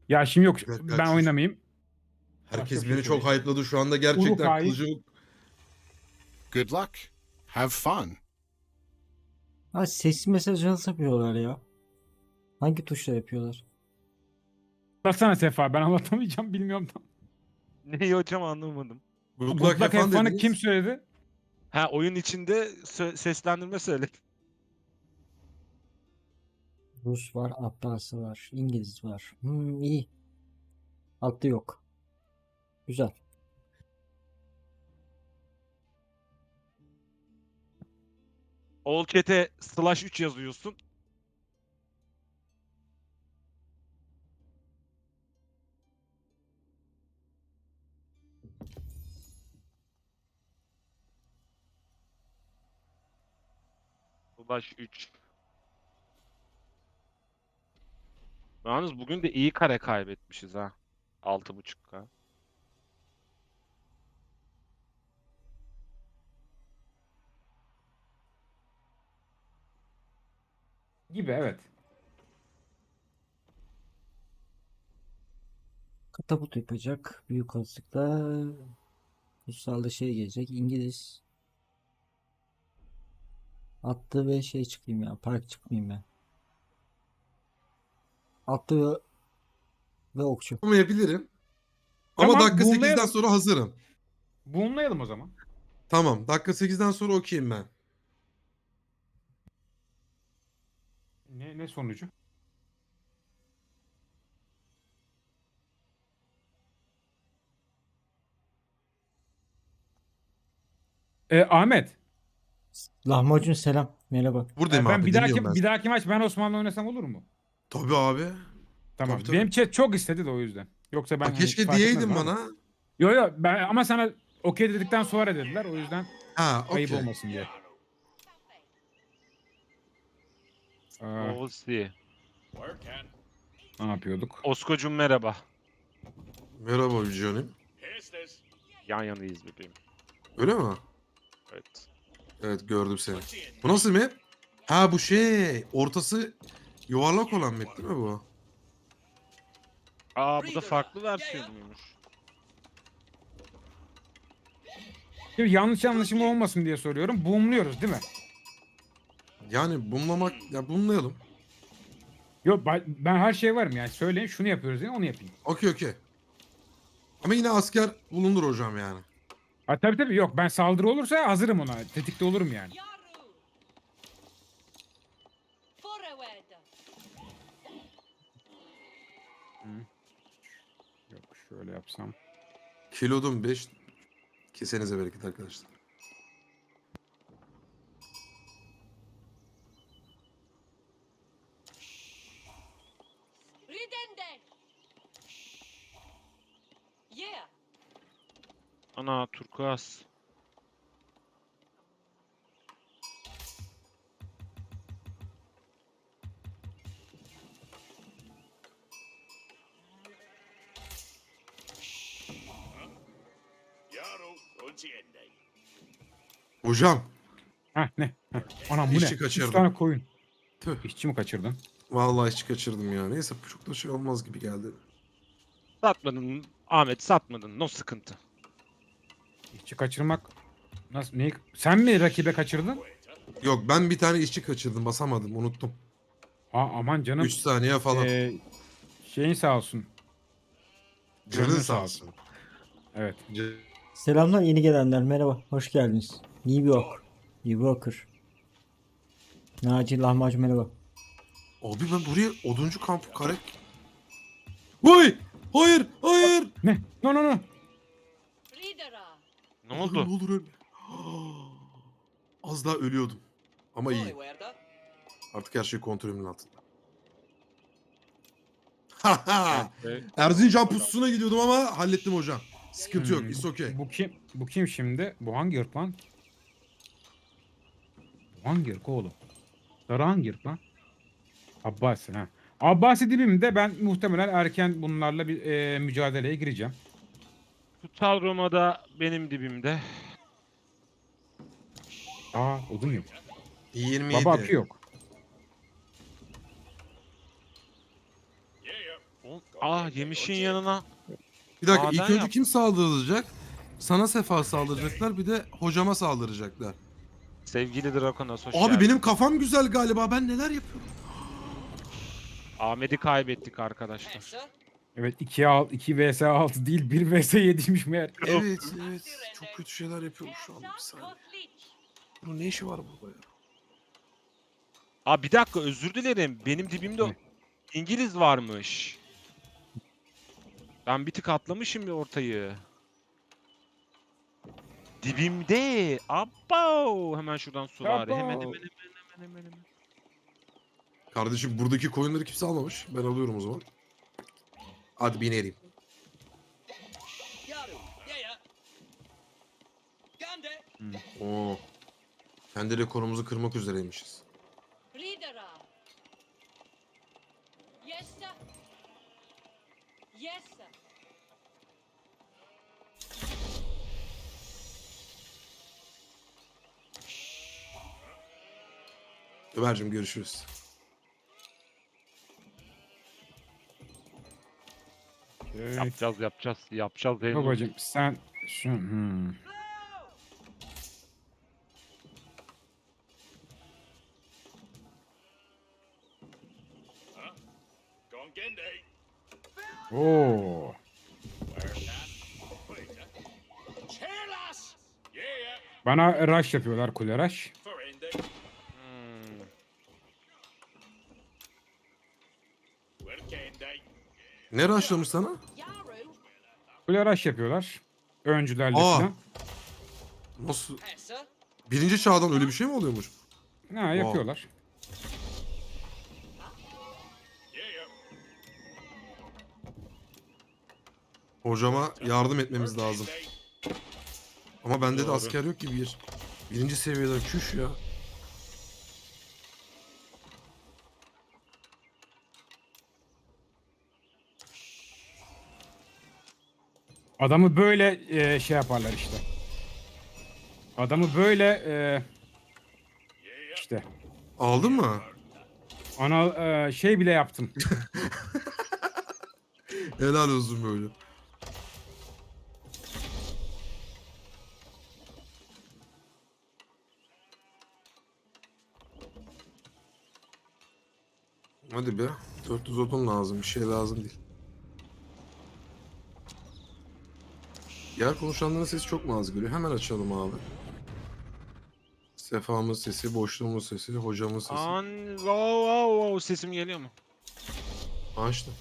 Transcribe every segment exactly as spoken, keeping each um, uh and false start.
Ya şimdi yok, Bir dakika ben çocuk. oynamayayım. Başka Herkes bir şey beni çok söyleyeyim. hype'ladı şu anda gerçekten Uruk-hai. kılıcı yok. Good luck. Have fun. Ha, sesli mesaj nasıl yapıyorlar ya? Hangi tuşla yapıyorlar? Anlatsana Sefa, ben anlatamayacağım, bilmiyorum tam. Neyi hocam anlamadım. Good Good luck have luck fun have fun'ı kim dediniz. söyledi? Ha oyun içinde sö- seslendirme söyle. Rus var, Abbasi var, İngiliz var. Hmm, iyi. Altta yok. Güzel. All chat'e slash üç yazıyorsun. Slash üç. Yalnız bugün de iyi kare kaybetmişiz ha. altı buçuk K. Gibi, evet. Katapult yapacak. Büyük olasılıkla Ruslarla şey gelecek. İngiliz. Attı ve şey çıkayım ya. Park çıkmayayım ben. Attı ve, ve okçu. Yapabilirim. Ama Tamam, dakika sekizden boomlayalım. sonra hazırım. Boomlayalım o zaman. Tamam, dakika sekizden sonra okeyim ben. Ne, ne sonucu? Ee, Ahmet, Lahmacun selam. Merhaba. Buradayım e, ben abi, bir dinliyorum ben dahaki bir seni. dahaki maç ben Osman'la oynasam olur mu? Tabii abi. Tabii Tamam. tabii. Benim chat çok istedi de o yüzden. Yoksa ben Ha, hani keşke fark etmez diyeydin bana da. bana. Yo yo, ben ama sana okey dedikten sonra dediler, o yüzden Ha, ayıp okey. olmasın diye. Aa, Oğuzsi. ne yapıyorduk? Oskocum merhaba. Merhaba Vücanım. Yan yanayız bebeğim. Öyle mi? Evet. Evet, gördüm seni. Bu nasıl map? Ha, bu şey. Ortası yuvarlak olan map değil mi bu? Aa bu da farklı versiyonuymuş. Şimdi yanlış anlaşılma olmasın diye soruyorum. Boomluyoruz değil mi? Yani bumlamak, ya bumlayalım. Yok, ben, ben her şey varım yani. Söyleyin şunu yapıyoruz diye onu yapayım. Okey okey. Ama yine asker bulundur hocam yani. Ha, tabii tabii, yok, ben saldırı olursa hazırım ona. Tetikte olurum yani. Yok, şöyle yapsam. Kilodum beş. Kesenize bereket arkadaşlar. Ana turkuaz. Hocam. Heh, ne? Heh. Anam bu ne? İşçi Üç kaçırdım. tane koyun. Tüh. İşçi mi kaçırdın? Vallahi hiç kaçırdım ya. Neyse, çok da şey olmaz gibi geldi. Satmadın Ahmet, satmadın. No sıkıntı. İşçi kaçırmak nasıl? Neyi? Sen mi rakibe kaçırdın? Yok, ben bir tane işçi kaçırdım, basamadım, unuttum. Aa, aman canım. üç saniye falan. Ee, şeyin sağ olsun. Canın Canın sağ sağ olsun. Evet. C- Selamlar yeni gelenler. Merhaba. Hoş geldiniz. New York. New Yorker. Naci Lahmacun merhaba. Abi ben buraya oduncu kampı kare... Vay! Hayır! Hayır! Ne? No no no. Ne Allah'ım, ne oldu? olur öyle. Az daha ölüyordum. Ama iyi. Artık her şey kontrolümün altında. Haha! Bence Erzincan pususuna gidiyordum ama hallettim hocam. Sıkıntı yok. Hmm, It's bu, okay. bu kim? Bu kim şimdi? Bu hangi ırk lan? Bu hangi ırk oğlum? Sarı hangi ırk lan? Abbasi ha. Abbasi dibimde, ben muhtemelen erken bunlarla bir e, mücadeleye gireceğim. Kutsal Roma'da benim dibimde. Aa, odun yok. yirmi Baba yedi. akü yok. Oğlum, ah yemişin yanına. Bir dakika Maden ilk önce yap. kim saldıracak? Sana Sefa saldıracaklar bir de hocama saldıracaklar. Sevgili Drakonos hoş Abi geldin. benim kafam güzel galiba, ben neler yapıyorum? Ahmet'i kaybettik arkadaşlar. Evet iki iki vs altı değil bir vs yediymiş meğer. Evet evet çok kötü şeyler yapıyorum şu anda, bir saniye. Bunun ne işi var burada ya? Aa bir dakika özür dilerim. Benim dibimde Ne? İngiliz varmış. Ben bir tık atlamışım bir ortayı. Dibimde. Abo. Hemen şuradan suvari. Hemen Abo. hemen hemen hemen hemen hemen. Kardeşim buradaki koyunları kimse almamış. Ben alıyorum o zaman. Hadi binerim. Oo. Kendi rekorumuzu kırmak üzereymişiz. Leadera. Yes, sir. Yes, sir. Ömer'cim görüşürüz. Evet. Yapacağız yapacağız. Yapacağız. Henüz. Babacım sen şu hmm. Oo. Bana rush yapıyorlar, kule rush. Hmm. Ne rushlamış sana? Yaru. Kule rush yapıyorlar. Öncülerle Aa. falan. Nasıl? Yes, sir. Birinci çağdan öyle bir şey mi oluyormuş? Ha yapıyorlar. Hocama yardım etmemiz lazım. Ama bende de Doğru. asker yok ki bir. Birinci seviyeden küş ya. Adamı böyle e, şey yaparlar işte. Adamı böyle e, işte Aldın mı? ana e, şey bile yaptım. Helal olsun böyle. Hadi be. dört yüz odun lazım. Bir şey lazım değil. Yer konuşanların sesi çok mu az geliyor? Hemen açalım abi. Sefamın sesi, boşluğumun sesi, hocamın sesi. An wow, wow, wow. Sesim geliyor mu? Açtım.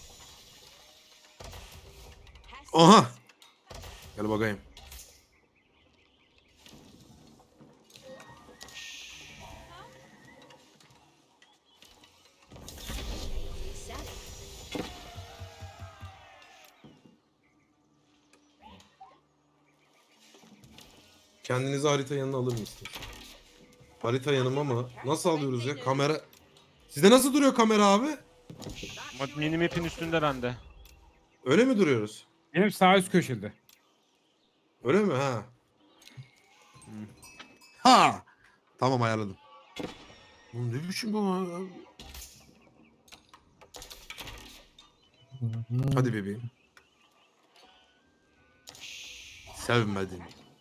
Aha! Gel bakayım. Kendinizi harita yanına alır mısınız? Harita yanıma mı? Nasıl alıyoruz ya? Kamera... Sizde nasıl duruyor kamera abi? Ma- Minimap'in üstünde bende. Öyle mi duruyoruz? Benim sağ üst köşede. Öyle mi? Ha. Ha! Tamam ayarladım. Oğlum ne biçim bu ya? Hadi bebeğim. Sevmedim.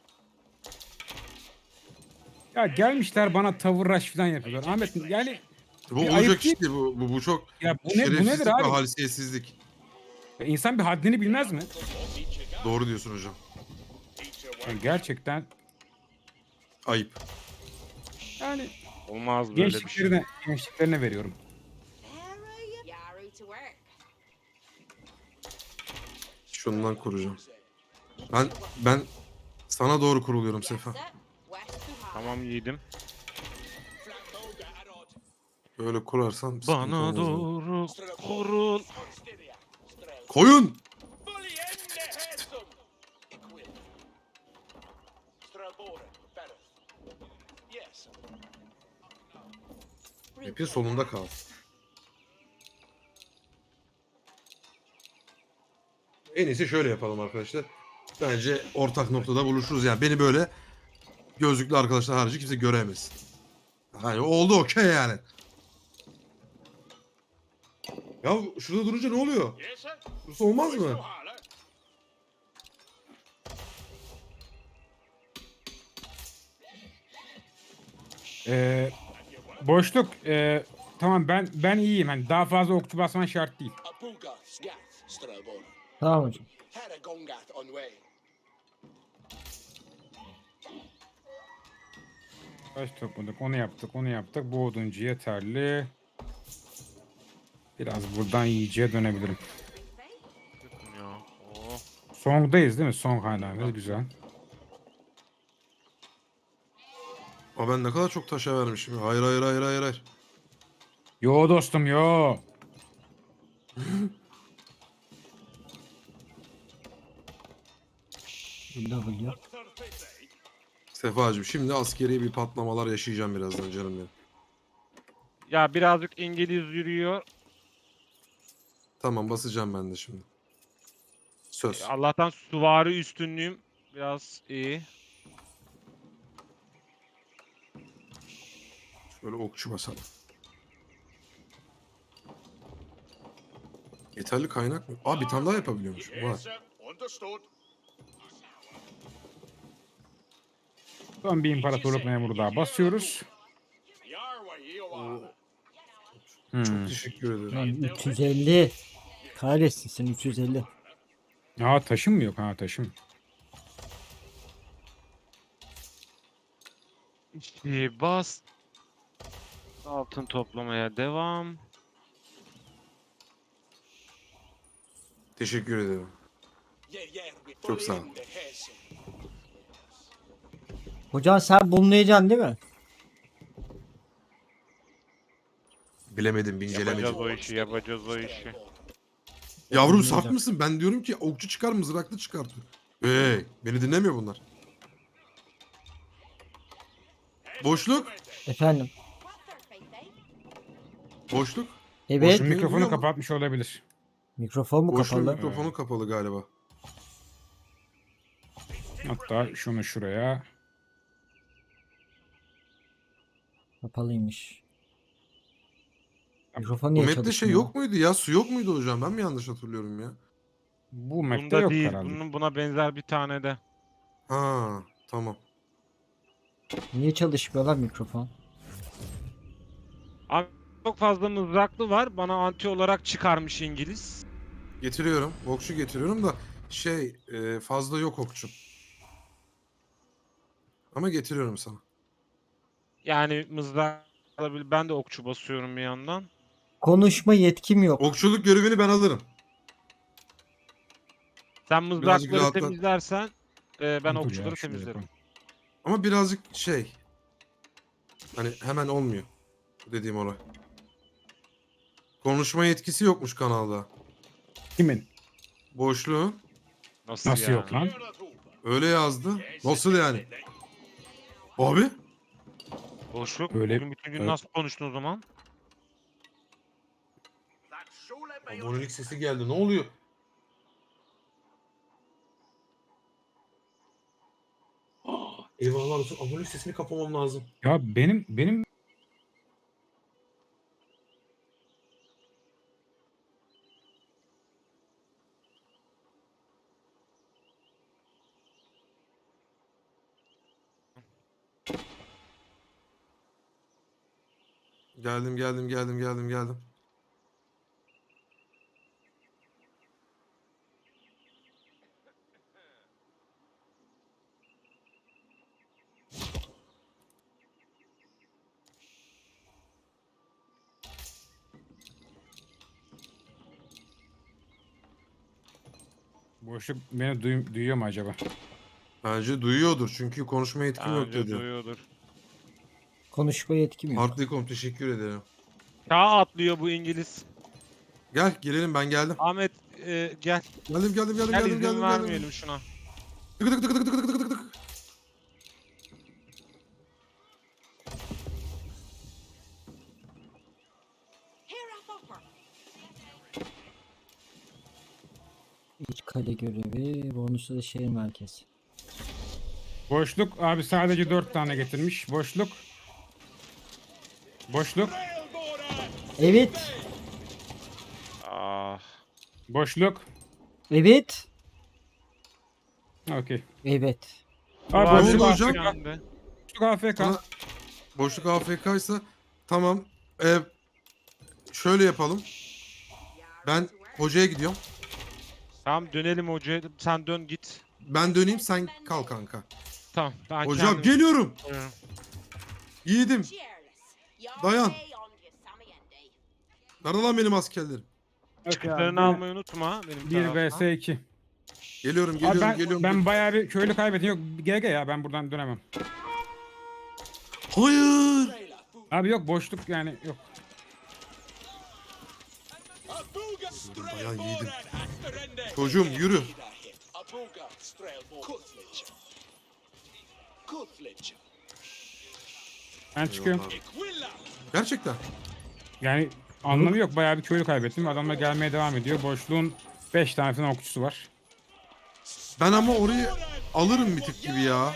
Ya gelmişler bana tavır rush falan yapıyorlar. Ahmet yani Bu Bir olacak ayıp değil. işte bu, bu, bu çok ya bu ne bu şerefsizlik nedir ve abi? haysiyetsizlik. Ya insan bir haddini bilmez mi? Doğru diyorsun hocam. Yani gerçekten Ayıp. yani Olmaz böyle bir şey. gençliklerine gençliklerine veriyorum. Yaru to work. Şundan koruyacağım. Ben ben sana doğru kuruluyorum Yes, Sefa. sir. West to high. Tamam yiğidim. Böyle kurarsan sıkıntı Bana olmaz yani. doğru kurul. Koyun! Map'in solunda kal. En iyisi şöyle yapalım arkadaşlar. Bence ortak noktada buluşuruz. Yani beni böyle gözlüklü arkadaşlar harici kimse göremez. Hani oldu okey yani. Ya şurada durunca ne oluyor? Burası olmaz mı? Ee, boşluk. ee, tamam ben ben iyiyim. Hani daha fazla okçu basman şart değil. Tamam hocam. Taş topladık. Onu yaptık. Onu yaptık. Bu oduncu yeterli. Biraz buradan yiyeceğe dönebilirim. Bakın ya. Oh. Song'dayız değil mi? Song hala. Güzel. Aa, ben ne kadar çok taşa vermişim. Hayır hayır hayır hayır hayır. Yo dostum yo. W. Sefacığım şimdi askeri bir patlamalar yaşayacağım birazdan canım benim. Ya birazcık İngiliz yürüyor. Tamam basacağım ben de şimdi. Söz. Allah'tan süvari üstünlüğüm biraz iyi. Şöyle okçu basalım. Yeterli kaynak mı? Aa bir tane daha yapabiliyormuş. Var. Son bir imparatorluk memuru daha basıyoruz. Hmm. Çok teşekkür ederim. Lan üç yüz elli. Kahretsin sen üç yüz elli. Ha taşım mı yok? Ha taşım. İşte bas. Altın toplamaya devam. Teşekkür ederim. Çok sağ ol. Hocam sen bulmayacaksın değil mi? Bilemedim, incelemedim. Yapacağız o işi, yapacağız o işi. Yavrum saf Bilmeyeceğim. mısın? Ben diyorum ki okçu çıkar, mızraklı çıkartıyor. Hey, beni dinlemiyor bunlar. Boşluk, Efendim. What's their faith, eh? boşluk. Evet. Boşun Beni duyuyor mikrofonu mu? kapatmış olabilir. Mikrofon mu Boşluğun kapalı? mikrofonu kapalı galiba. Hatta şunu şuraya. Kapalıymış. Mikrofon Bu niye map'te şey çalışmıyor? yok muydu ya? Su yok muydu hocam? Ben mi yanlış hatırlıyorum ya? Bu map'te Bunda yok değil, herhalde. bunun buna benzer bir tane de. Ha, tamam. Niye çalışmıyor lan mikrofon? Abi çok fazla mızraklı var. Bana anti olarak çıkarmış İngiliz. Getiriyorum. Okçu getiriyorum da şey e, fazla yok okçu. Ama getiriyorum sana. Yani mızrak alabilir. Ben de okçu basıyorum bir yandan. Konuşma yetkim yok. Okçuluk görevini ben alırım. Sen Birazcık mızrakları rahatla. temizlersen e, ben Dur ya, okçuları şuraya temizlerim. koy. Ama birazcık şey. Hani hemen olmuyor. Bu dediğim olay. Konuşma yetkisi yokmuş kanalda. Kimin? Boşluğun. Nasıl, Nasıl yani? yok lan? Öyle yazdı. Nasıl yani? Abi? Boşluk. Öyle- Bugün bütün gün öyle- nasıl konuştun o zaman? Abonelik sesi geldi. Ne oluyor? Aa, eyvallah olsun. Abonelik sesini kapamam lazım. Ya benim benim Geldim geldim geldim geldim geldim. boşluk beni duy- duyuyor mu acaba? Bence duyuyordur çünkü konuşma yetkim yok Bence dedi. duyuyordur. Konuşma yetkim yok. Hartlikom teşekkür ederim. Çağ atlıyor bu İngiliz. Gel gelelim ben geldim. Ahmet e, gel. Geldim geldim geldim Gel geldim izin geldim. vermeyelim geldim. şuna. Tık tık tık tık tık tık tık tık. Here up upper. İç kale görevi. Bonusu da şehir merkezi. Boşluk abi sadece dört tane getirmiş. Boşluk. Boşluk. Evet. Ah. Boşluk. Evet. Okey. Evet. Abi Var oldu boşluk hocam? A F K. bende. Boşluk A F K. Sana boşluk A F K ise tamam. Ee, şöyle yapalım. Ben hocaya gidiyorum. Tamam dönelim hocaya. Sen dön git. Ben döneyim sen kal kanka. Tamam. Ben Hocam kendim- geliyorum. Buyurun. Yiğidim. Cheerless. Your Dayan. day on you, Sammy Andy. Nerede lan benim askerlerim? Okey abi, Çıktılarını gene almayı unutma. Benim bir taraftan. vs iki. Geliyorum Abi geliyorum ben, geliyorum. ben bayağı bir köylü kaybettim. Yok G G ya ben buradan dönemem. Hayır. Abi yok boşluk yani yok. Dayan yiğidim. Çocuğum yürü. Ben çıkıyorum. Gerçekten. Yani anlamı yok. Bayağı bir köylü kaybettim. Adamlar gelmeye devam ediyor. Boşluğun beş tane falan okçusu var. Ben ama orayı alırım bir tık gibi ya.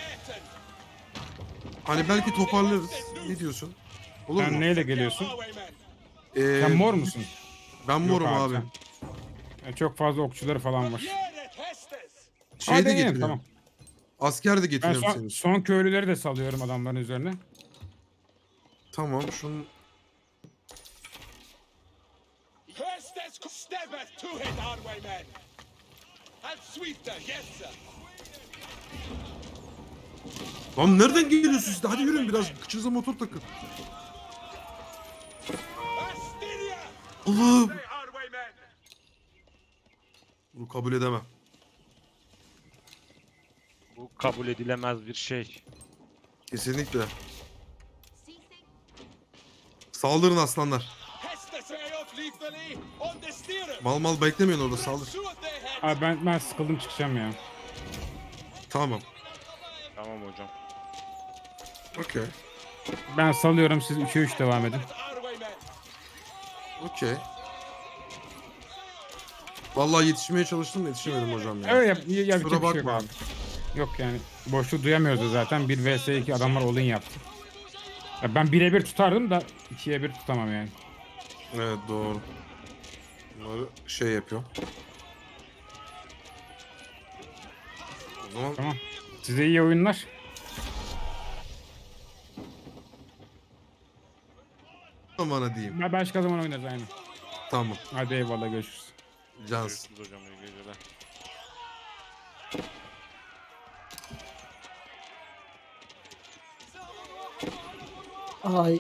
Hani belki toparlarız. Ne diyorsun? Olur Sen mu? neyle geliyorsun? Ee, Sen mor musun? Ben morum Yok abi. sen. Yani çok fazla okçuları falan var. Şey Hadi de yiyelim, getiriyorum. tamam. Asker de Ben getiriyorum son, senin. son köylüleri de salıyorum adamların üzerine. Tamam şunu. Lan nereden geliyorsunuz siz de? Hadi yürüyün biraz. Kıçınıza motor takın. Allah'ım. Bunu kabul edemem. Bu kabul edilemez bir şey. Kesinlikle. Ceasing. Saldırın aslanlar. Mal mal beklemeyin orada saldır. Abi ben, ben sıkıldım çıkacağım ya. Tamam. Tamam hocam. Okey. Ben salıyorum siz üçe üç devam edin. Okey. Vallahi yetişmeye çalıştım da yetişemedim hocam ya. Evet yap, ya, yapacak Kusura bir şey yok bakma. abi. Yok yani boşluğu duyamıyoruz da zaten. bir vs iki adamlar all-in yaptı. Ya ben bire bir tutardım da ikiye bir tutamam yani. Evet doğru. Bunları şey yapıyorum. O zaman Tamam. Size iyi oyunlar. bana diyeyim. Ben başka zaman oynarız aynı. Tamam. Hadi eyvallah görüşürüz. Cans. Görüşürüz hocam. İyi geceler. Ay.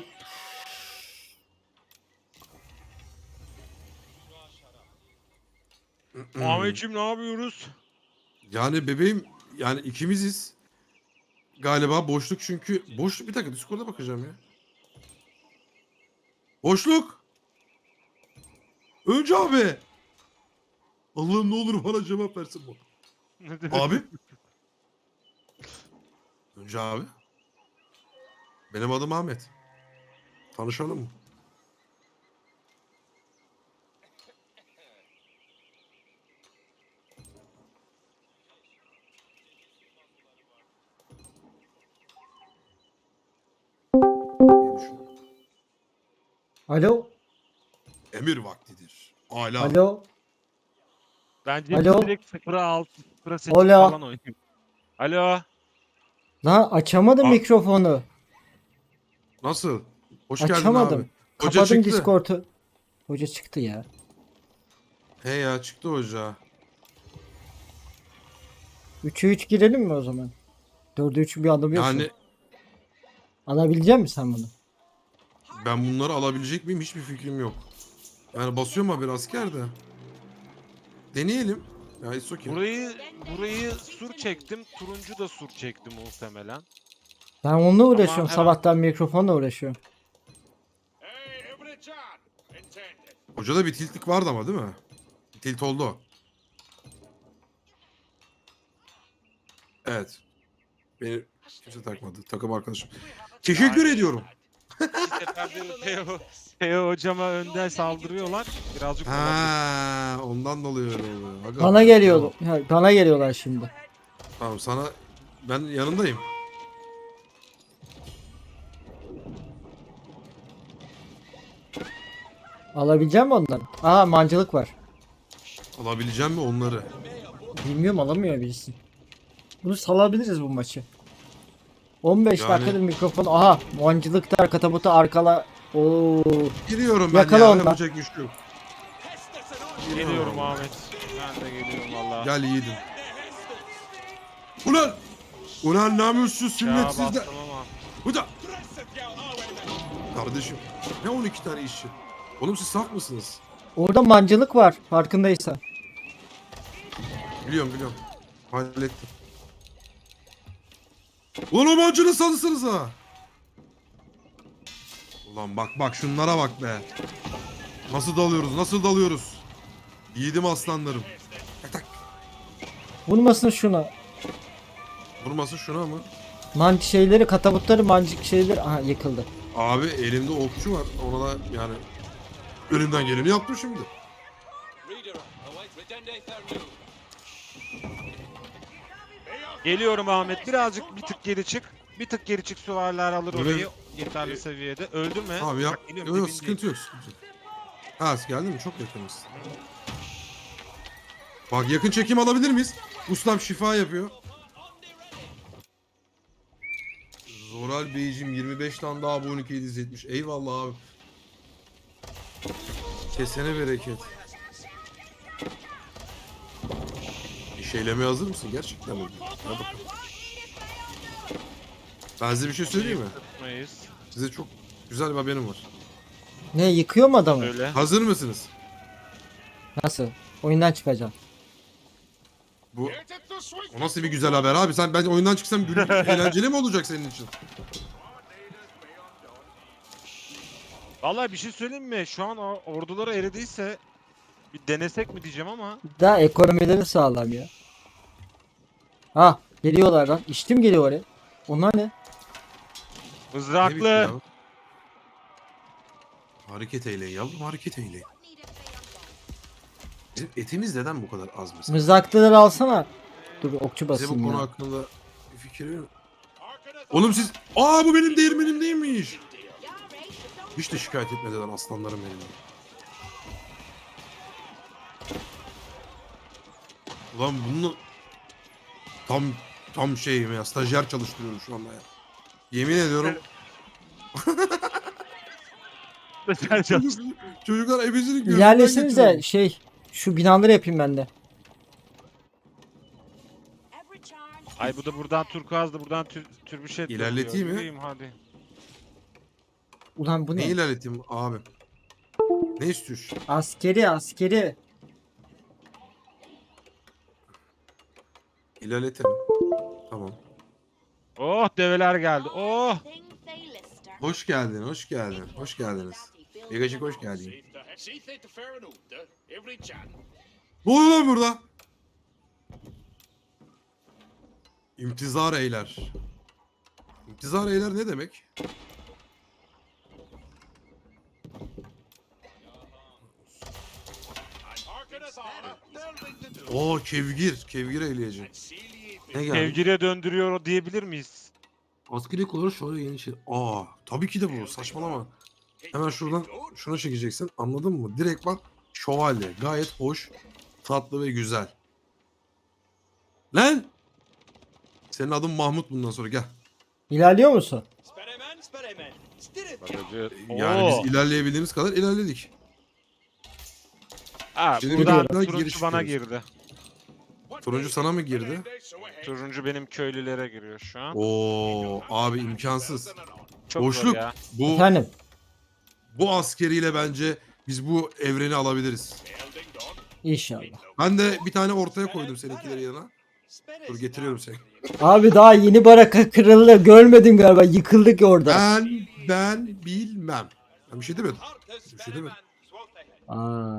Ahmetciğim ne yapıyoruz? Yani bebeğim yani ikimiziz. Galiba boşluk çünkü. Boşluk bir dakika Discord'a bakacağım ya. Boşluk. Önce abi. Allah'ım ne olur bana cevap versin bu. Ne demek? Abi. Önce abi. Benim adım Ahmet. Tanışalım mı? diye düşünüyorum. Alo. Emir vaktidir. Ala. Alo. Bence Alo? direkt sıfıra altı, sıfıra sekiz Alo. falan oynayayım. Alo. Lan açamadım Aa. mikrofonu. Nasıl? Hoş geldin Açamadım. abi. Hoca Kapadım çıktı. Discord'u. Hoca çıktı ya. He ya çıktı hoca. üçe üç girelim mi o zaman? dörde üç bir alamıyorsun. Yani Alabilecek misin sen bunu? ben bunları alabilecek miyim hiçbir fikrim yok. Yani basıyorum abi asker de. Deneyelim. Ya it's okay. Burayı burayı sur çektim. Turuncu da sur çekti muhtemelen. Ben onunla uğraşıyorum. her- Sabahtan mikrofonla uğraşıyorum. Hocada bir tiltlik vardı ama değil mi? Tilt oldu o. Evet. Beni kimse takmadı. Takım arkadaşım. Teşekkür ediyorum. Bir seferde Teo, Teo hocama önden saldırıyorlar. Birazcık olabilir. Ha, ondan dolayı öyle oluyor. Aga, Bana geliyordu. Ya, bana geliyorlar şimdi. Tamam sana ben yanındayım. Alabileceğim mi onları? Aa mancılık var. Alabileceğim mi onları? Bilmiyorum alamıyor birisi. Bunu salabiliriz bu maçı. on beş Yani- dakikadır mikrofon. Aha mancılıkta katabutu arkala. Oo. Giriyorum ben Yakala ya. onu. Yapacak bir şey yok. Geliyorum Ahmet. Ben de geliyorum valla. Gel yiğidim. Ulan! Ulan namussuz Ya sünnetsiz de. bastım ama. Bu da. Kardeşim. Ne on iki tane işçi? Oğlum siz saf mısınız? Orada mancılık var farkındaysan. Biliyorum biliyorum. Hallettim. Ulan o mancını salırsanız ha. Ulan bak bak şunlara bak be. Nasıl dalıyoruz nasıl dalıyoruz. Yiğidim aslanlarım. Tak tak. Vurmasın şuna. Vurması şuna mı? Manc şeyleri katabutları mancık şeyleri. Aha yıkıldı. Abi elimde okçu var. Ona da yani elimden geleni yaptım şimdi. Geliyorum Ahmet. Birazcık bir tık geri çık. Bir tık geri çık, süvariler alır Öyle- orayı yeterli seviyede. Öldün mü? Abi ya. Bak, geliyorum, Yok yok dibindeyim. sıkıntı yok sıkıntı yok. Ha geldin mi? Çok yakınız. Bak yakın çekim alabilir miyiz? Ustam şifa yapıyor. Zoral Beyciğim yirmi beş tane daha abone yedi yüz yetmiş. Eyvallah abi. Kesene bereket. İş eylemeye hazır mısın? Gerçekten mi? Hadi bakalım. Ben size bir şey söyleyeyim mi? Tutmayız. Size çok güzel bir haberim var. Ne yıkıyor mu adamı? Öyle. Hazır mısınız? Nasıl? Oyundan çıkacağım. Bu o nasıl bir güzel haber abi? Sen ben oyundan çıksam gülüp eğlenceli mi olacak senin için? Vallahi bir şey söyleyeyim mi? Şu an o orduları eridiyse bir denesek mi diyeceğim ama. Daha ekonomileri sağlam ya. Ha geliyorlar lan. İştim geliyor oraya. Onlar ne? Ne biçim Mızraklı. ya? Hareket eyleyin yavrum hareket eyleyin. Need a fair Bizim etimiz neden bu kadar az mesela? Mızraklıları alsana. Dur okçu Size bu basayım konu ya. hakkında bir fikir yok. Oğlum siz... Aa bu benim değirmenim değilmiş. Hiç de şikayet etmeden aslanlarım benim. Ulan bunu... Tam tam şeyim ya stajyer çalıştırıyorum şu anda ya. Yemin ediyorum çocuk, çocuklar ebesinin gözünden İlerlesiniz de geçiriyorum. şey şu binaları yapayım ben de. Every charm. Ay bu da buradan turkuazdı, buradan tür, türbüşet. İlerleteyim mi? Yürüyeyim hadi. Ulan bu Ne ne? ilerleteyim abi? Ne istiyorsun? Askeri askeri. İlerletelim. Tamam. Oh develer geldi. Oh. Things they lister. Hoş geldin, hoş geldin, hoş geldiniz. Megacık hoş geldin. Ne oluyor lan burada? İmtizar eyler. İmtizar eyler ne demek? Oo kevgir, kevgir eyleyeceğim. Ne geldi? Sevgiliye döndürüyor o diyebilir miyiz? Askeri olarak şöyle yeni şey. Aa, tabii ki de bu. Saçmalama. Hemen şuradan şuna çekeceksin. Anladın mı? Direkt bak şövalye. Gayet hoş, tatlı ve güzel. Lan! Senin adın Mahmut bundan sonra gel. İlerliyor musun? Bagajı. Yani Oo. biz ilerleyebildiğimiz kadar ilerledik. Ha, Şimdi buradan buradan geri turuncu bana çıkıyoruz. girdi. Turuncu sana mı girdi? Turuncu benim köylülere giriyor şu an. Oo, abi imkansız. Çok Boşluk. zor ya. Bu Efendim. bu askeriyle bence biz bu evreni alabiliriz. İnşallah. Ben de bir tane ortaya koydum seninkileri yanına. Dur getiriyorum seni. Abi daha yeni baraka kırıldı. Görmedin galiba. Yıkıldık orada. Ben ben bilmem. Ben bir şey demedim. Bir şey demedim. Aa.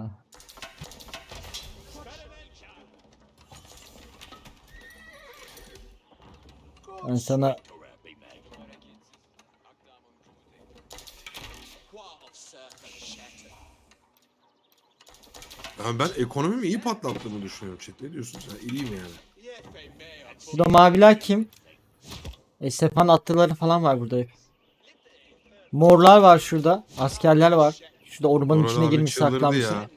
Ben sana Yani ben ekonomimi iyi patlattığımı düşünüyorum chat. Ne diyorsun sen? İyiyim yani. burada maviler kim? E, Sepan atlıları falan var burada hep. Morlar var şurada. Askerler var. Şurada ormanın Orhan içine abi girmiş çıldırdı saklanmışsın. ya.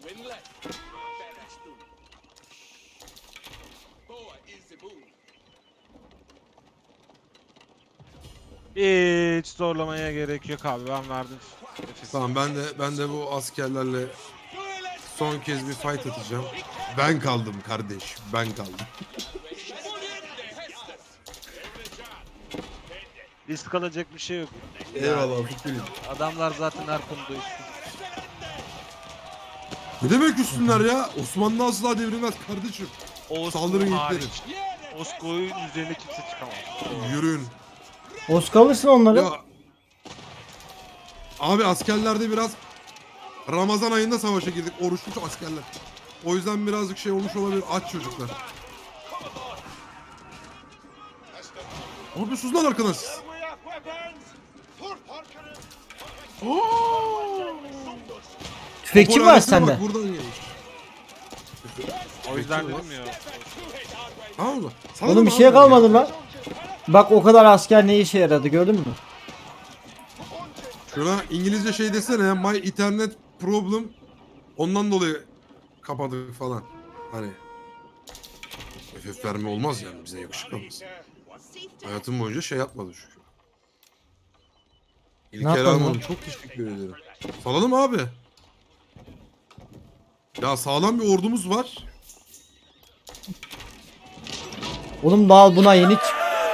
Hiç zorlamaya gerek yok abi, ben verdim. Nefes. Tamam ben de ben de bu askerlerle son kez bir fight atacağım. Ben kaldım kardeş. Ben kaldım. Risk alacak bir şey yok. Eyvallah Fikri'm. Adamlar zaten her konuda üstün. Ne demek üstünler ya? Osmanlı asla devrilmez kardeşim. Osko Saldırın hariç. yüklerin. Osko'nun üzerine kimse çıkamaz. Yürüyün. Oscar alırsın onları. Ya abi askerlerde biraz Ramazan ayında savaşa girdik. Oruçlu askerler. O yüzden birazcık şey olmuş olabilir. Aç çocuklar. Ne yapıyorsunuz lan arkadaş? Tüfekçi mi var Popülaritesine sende? bak, buradan gelmiş. O yüzden Peki, dedim ya. Tamam mı? Sana Oğlum mı bir şey abi kalmadı ya? lan. Bak o kadar asker ne işe yaradı gördün mü? Şuna İngilizce şey desene ya. My internet problem. Ondan dolayı kapadık falan. Hani. F F verme olmaz yani. Bize yakışıklamaz. Hayatım boyunca şey yapmadı çünkü. İlker yapalım Hanım lan? çok teşekkür ederim. Salalım abi. Ya sağlam bir ordumuz var. Oğlum daha buna yeni ç-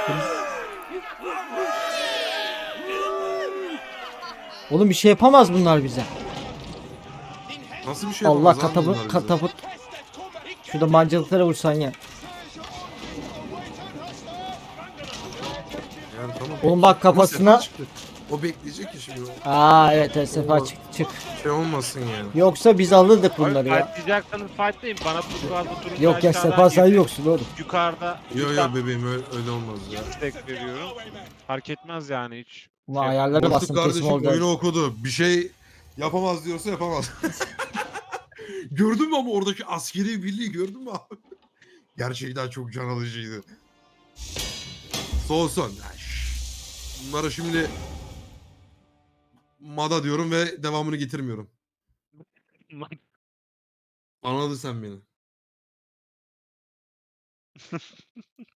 Oğlum bir şey yapamaz bunlar bize. Nasıl bir şey Allah yapamaz abi katapult bunlar bize? katapult. Şurada mancılıklara vursan ya. Yani tamam. Oğlum bak Ama kafasına. sefer çıktı. O bekleyecek ki şimdi. Aa evet evet sefer çık çık. Şey olmasın yani. Yoksa biz alırdık bunları Abi ya. fightlayacaksanız fightlayın. Bana turkuazlı turuncu Yok ya aşağıdan sefer sen yedi. yoksun oğlum. Yukarıda Yo yo bebeğim öyle, öyle olmaz ya. destek veriyorum. Fark etmez yani hiç. Ulan Şey- ayarları Boşluk bastım teslim kardeşim olacağız. oyunu okudu. Bir şey yapamaz diyorsa yapamaz. Gördün mü ama oradaki askeri birliği gördün mü abi? Gerçekten çok can alıcıydı. Son son. Ya, şş. Bunlara şimdi Mada diyorum ve devamını getirmiyorum. Anladın sen beni.